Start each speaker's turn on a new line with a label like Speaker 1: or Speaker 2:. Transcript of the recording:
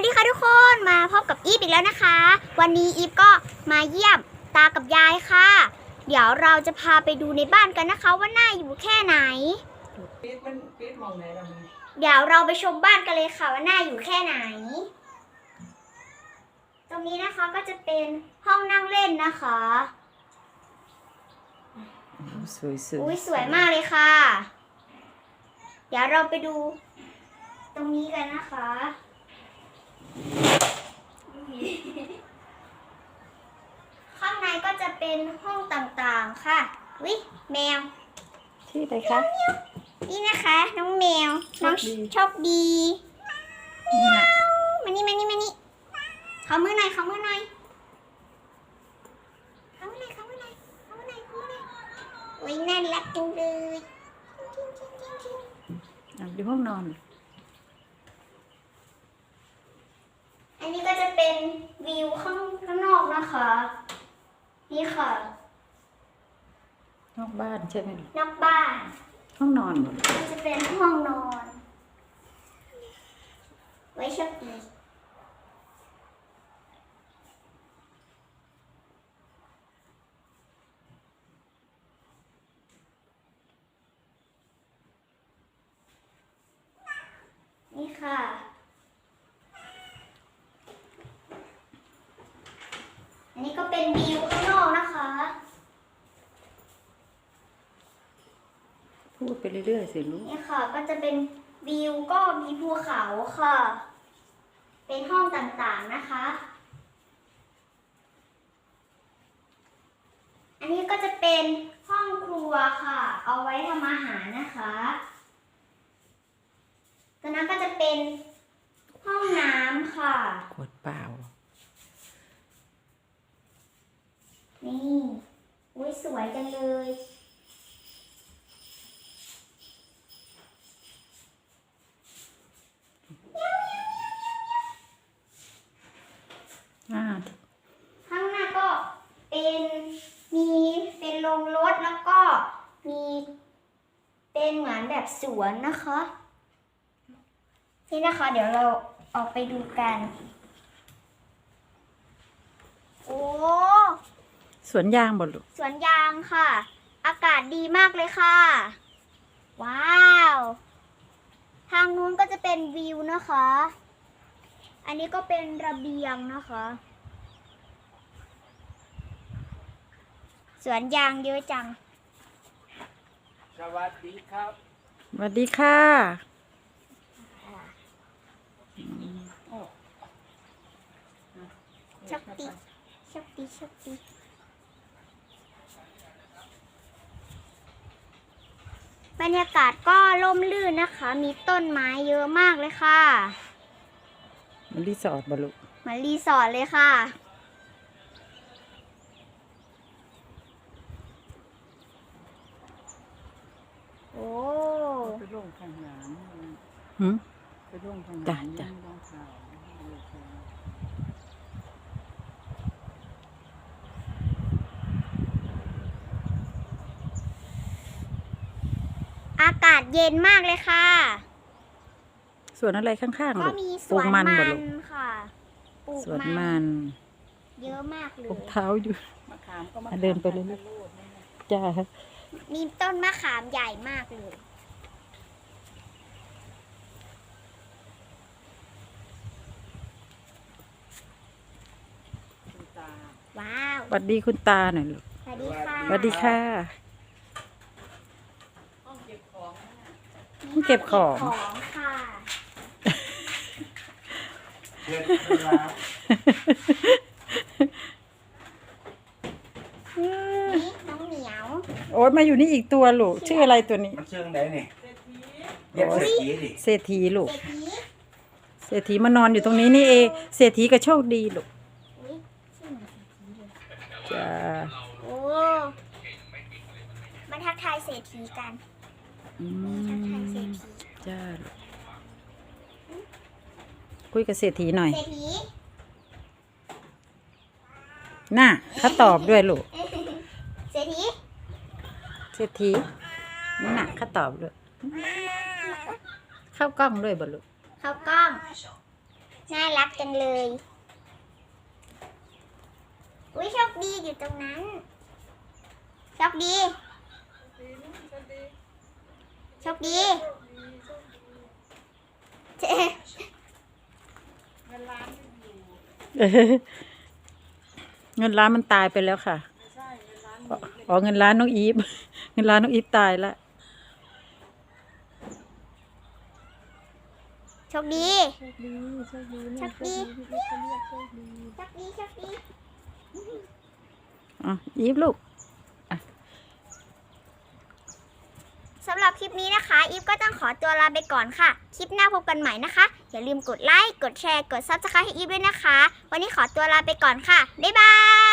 Speaker 1: ดีค่ะทุกคนมาพบกับอีฟอีกแล้วนะคะวันนี้อีฟก็มาเยี่ยมตากับยายค่ะเดี๋ยวเราจะพาไปดูในบ้านกันนะคะว่าน่าอยู่แค่ไหนเดี๋ยวเราไปชมบ้านกันเลยค่ะว่าน่าอยู่แค่ไหนตรงนี้นะคะก็จะเป็นห้องนั่งเล่นนะคะสวยมากเลยค่ะเดี๋ยวเราไปดูตรงนี้กันนะคะข้างในก็จะเป็นห้องต่างๆค่ะวิแมว
Speaker 2: ชื่ออะไรคะ
Speaker 1: นี่นะคะน้องแมวน้องโชคดีมานี่เขามือหน่อยโอ้ยน่ารักจังเลย
Speaker 2: อยู่ห้องนอน
Speaker 1: อันนี้ก็จะเป็นวิวข้างนอกนะคะนี่ค่ะ
Speaker 2: นอกบ้านใช่ไหม
Speaker 1: นอกบ้าน
Speaker 2: ห้องนอน
Speaker 1: ก็จะเป็นห้องนอนไว้โชคดีนี่ค่ะอันนี้ก็เป็นวิวข้างนอกนะคะ
Speaker 2: พูดไปเรื่อยๆสิลูก
Speaker 1: นี่ค่ะก็จะเป็นวิวก็มีภูเขาค่ะเป็นห้องต่างๆนะคะอันนี้ก็จะเป็นห้องครัวค่ะเอาไว้ทำอาหารนะคะตัวนั้นก็จะเป็นห้องน้ำค่ะ
Speaker 2: ขวดเปล่า
Speaker 1: นี่อุ้ยสวยจังเลยข้างหน้าก็เป็นโรงรถแล้วก็มีเป็นเหมือนแบบสวนนะคะนี่นะคะเดี๋ยวเราออกไปดูกันโอ้
Speaker 2: สวนยางบ่ลูก
Speaker 1: สวนยางค่ะอากาศดีมากเลยค่ะว้าวทางนู้นก็จะเป็นวิวนะคะอันนี้ก็เป็นระเบียงนะคะสวนยางเยอะจัง
Speaker 3: สวัสดีครับ
Speaker 2: สวัสดีค่ะ
Speaker 1: โชคดีบรรยากาศก็ร่มรื่นนะคะมีต้นไม้เยอะมากเลยค่ะ
Speaker 2: มันรีสอร์ทบ่ลูก
Speaker 1: เหมือนรีสอร์ทเลยค่ะโอ้
Speaker 3: ไปร่วงข้างหลังไปร่วงข้างหลัง
Speaker 2: จ้ะ
Speaker 1: อากาศเย็นมากเลยค่ะ
Speaker 2: สวนอะไรข้างๆลูก
Speaker 1: ก็มีสวนมันค่ะ
Speaker 2: สวนมัน
Speaker 1: เยอะมากเลย
Speaker 2: ปลูกเท้าอยู่
Speaker 3: มะขามก็
Speaker 2: เดินไปเลยลูกจ้า
Speaker 1: มีต้นมะขามใหญ่มากเลยว้าว
Speaker 2: สวัสดีคุณตาหน่อยลูก
Speaker 1: สวัสดีค่ะ
Speaker 2: สวัสดีค่ะ
Speaker 3: ห้องเก็บของ
Speaker 2: เก็บของ
Speaker 1: ค่ะนี่น้องเหมียว
Speaker 2: โอ๊ยมาอยู่นี่อีกตัวลูกชื่ออะไรตัวนี้
Speaker 3: มันเชิงไหนนี่เรียกเศรษฐีดิ
Speaker 2: เศรษฐีลูกเศรษฐีมานอนอยู่ตรงนี้นี่เองเศรษฐีก็โชคดีลูกจ้า
Speaker 1: โอ้มาทักทายเศรษฐีกันทักทายเศรษฐี
Speaker 2: จ้าคุยกับเศรษฐีหน่อย
Speaker 1: เศรษฐี
Speaker 2: น่ะเขาตอบด้วยลูก
Speaker 1: เศรษฐี
Speaker 2: นี่น่ะเขาตอบด้วยเข้ากล้องด้วยบ่ลูก
Speaker 1: เข้ากล้องน่ารักจังเลย อุ้ยโชคดีอยู่ตรงนั้นโชคดีโชคดีเจ๊
Speaker 2: เงินล้านมันตายไปแล้วค่ะอ๋อเงินล้านน้องอีฟ เงินล้านน้องอีฟตายละ
Speaker 1: โชคดี
Speaker 3: โชคดีโชคดี
Speaker 1: โชคดี
Speaker 3: พี่เขาเรียกโชคดี
Speaker 1: โชคดีโชคดี
Speaker 2: อ๋ออีฟลูก
Speaker 1: สำหรับคลิปนี้นะคะ อีฟก็ต้องขอตัวลาไปก่อนค่ะ คลิปหน้าพบกันใหม่นะคะ อย่าลืมกดไลค์ กดแชร์ กด Subscribe ให้อีฟด้วยนะคะ วันนี้ขอตัวลาไปก่อนค่ะ บ๊ายบาย